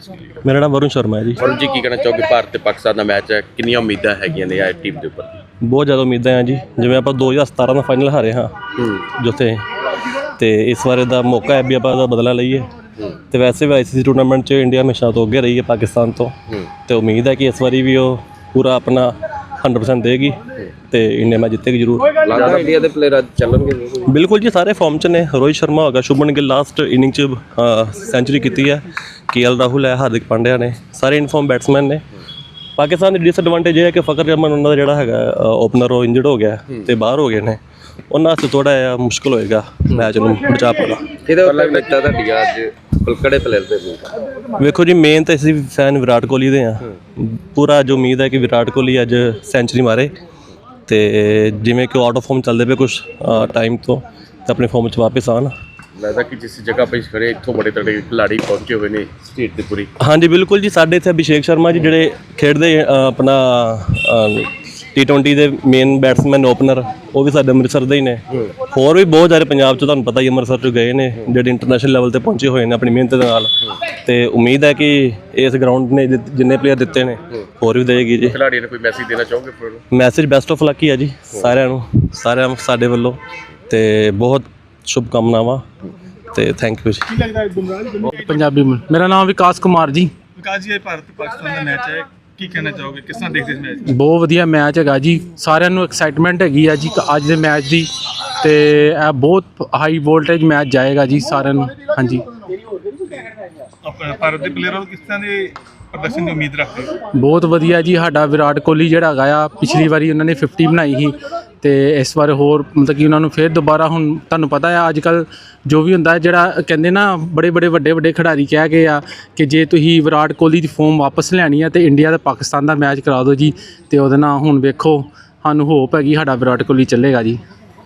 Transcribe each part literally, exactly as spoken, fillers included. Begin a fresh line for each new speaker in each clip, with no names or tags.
मेरा नाम वरुण शर्मा है जी।
वरुण जी की कहना चाहोगे भारत ते पाकिस्तान का मैच है कितनी उम्मीदां हैगियां ने इस टीम के उपर?
बहुत ज़्यादा उम्मीदें हैं जी। जिवें आप दो हज़ार सतारह का फाइनल हारे हाँ जिथे, तो इस बार का मौका है भी आप बदला लईए। तो वैसे भी आई सी सी टूर्नामेंट च इंडिया हमेशा तो अगे रही है पाकिस्तान तो तो उम्मीद है कि इस बार भी वो पूरा अपना हंड्रेड परसेंट देगी तो इंडिया मैच जितेगी जरूर।
लगदा इंडिया के प्लेयर अज चलणगे?
बिल्कुल जी, सारे फॉर्म च ने। रोहित शर्मा होगा, शुभमन गिल लास्ट इनिंग च सेंचुरी की है, के एल राहुल है, हार्दिक पांड्या ने, सारे इनफॉर्म बैट्समैन ने। पाकिस्तान की डिसएडवांटेज है कि फकर जमन उन्होंने जोड़ा है ओपनर वो इंजर्ड हो गया तो बाहर हो गए ने, उन्होंने थोड़ा जिहा मुश्किल होएगा मैच में बचा पाना। वेखो जी, मेन तो असीं फैन विराट कोहली दे हाँ, पूरा जो उम्मीद है कि विराट कोहली अज सेंचुरी मारे तो जिमें कि आउट ऑफ फॉर्म चलते पे कुछ टाइम तो अपने फॉर्म च वापस आन।
लगता कि जिस जगह पर खड़े इतों बड़े तगड़े खिलाड़ी पहुंचे हुए ने स्टेट की पूरी।
हाँ जी बिल्कुल जी, साढ़े इतने अभिषेक शर्मा जी जोड़े खेडते अपना टी ट्वेंटी के मेन बैट्समैन ओपनर वो भी साढ़े अमृतसर के ही ने। होर भी बहुत सारे पंजाब चो तुहानूं पता ही अमृतसर चो गए ने जोड़े इंटरनेशनल लैवल पर पहुंचे हुए हैं अपनी मेहनत के नाल। ते उम्मीद है कि इस ग्राउंड ने जिन्ने प्लेयर दिते ने होर भी देगी जी।
खिलाड़ियों ने कोई मैसेज देना चाहोगे?
मैसेज बेस्ट ऑफ लक ही है जी सारिਆਂ ਨੂੰ, सारे साडे ਵੱਲੋਂ ते बहुत शुभकामनावां ते थैंक यू जी।
पंजाबी में मेरा नाम विकास कुमार जी।
विकास जी, भारत पाकिस्तान का मैच है, की कहना चाहोगे, किस तरह देखते इस मैच?
बहुत वधिया मैच है जी, साਰਿਆਂ ਨੂੰ एक्साइटमेंट हैगी है जी अज के मैच की, तो यह बहुत हाई वोल्टेज मैच जाएगा जी साਰਿਆਂ ਨੂੰ। हाँ जी,
भारत के प्लेयर किस तरह के प्रदर्शन की उम्मीद रखते हो?
बहुत वधिया जी। साडा विराट कोहली जिहड़ा हैगा पिछली वारी उन्होंने फिफ्टी बनाई थी तो इस बार होर मतलब कि उन्होंने फिर दोबारा हुण तुहानूं पता है अजकल जो भी हुंदा जिहड़ा कहंदे ना बड़े बड़े वड्डे वड्डे खिडारी कह गए आ कि जे तुसीं विराट कोहली की फॉर्म वापस लैनी है तो इंडिया ते पाकिस्तान का मैच करा दो जी, तो उहदे नाल हुण वेखो सानूं होप हैगी साडा विराट कोहली चलेगा जी।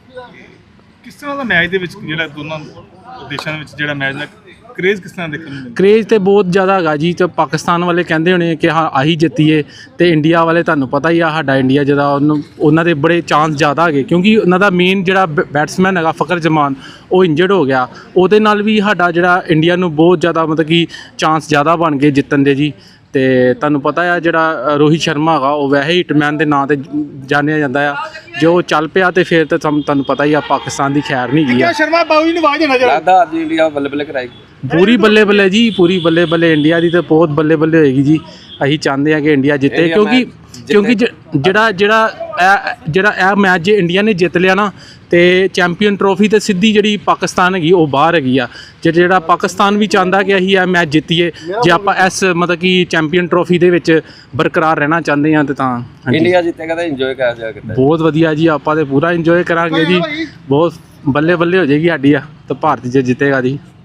किस तरह का मैच दे विच जिहड़ा दोनों देशों दे विच जिहड़ा मैच दा क्रेज़ किस तरह देखने मिलदा?
क्रेज़ तो बहुत ज़्यादा है जी। तो पाकिस्तान वाले कहते होने कि हाँ अही जितीए, तो इंडिया वाले तुहानूं पता ही आ साडा इंडिया जिहदा उन्होंने बड़े चांस ज़्यादा है क्योंकि उन्होंने मेन जिहड़ा बैट्समैन है फकर जमान वो इंजर्ड हो गया, उहदे नाल भी साडा जिहड़ा इंडिया नूं बहुत ज़्यादा मतलब कि चांस ज़्यादा बन गए जितन दे जी। तो तुहानूं पता है जिहड़ा रोहित शर्मा है वो वैसे ही हिटमैन के नाँ से जानिया जाता है, जो चल पिया तो फिर तो तुहानूं पता ही आ पाकिस्तान की खैर नहीं गई।
शर्मा बाबू ने आवाज देना
लगदा अज इंडिया बल्ले बल्ले कराएगी?
पूरी बल्ले बल्ले जी, पूरी बल्ले बल्ले इंडिया की तो बहुत बल्ले बल्ले होएगी जी। असीं चाहते हैं कि इंडिया जिते क्योंकि क्योंकि जिहड़ा जिहड़ा जिहड़ा यह मैच जे इंडिया ने जित लिया ना तो चैंपीयन ट्रॉफी तो सीधी जी पाकिस्तान हैगी वो बाहर हैगी आ। जे जिहड़ा पाकिस्तान भी चाहता कि असीं यह मैच जितीए जे आप इस मतलब कि चैंपीयन ट्रॉफी दे विच बरकरार रहना चाहते हैं तो तां
इंडिया जितेगा तो इंजॉय कर जाएगा।
बहुत वधिया जी, आप तो पूरा इंजॉय करांगे जी, बहुत बल्ले बल्ले हो जाएगी साडी तो भारत जे जितेगा जी।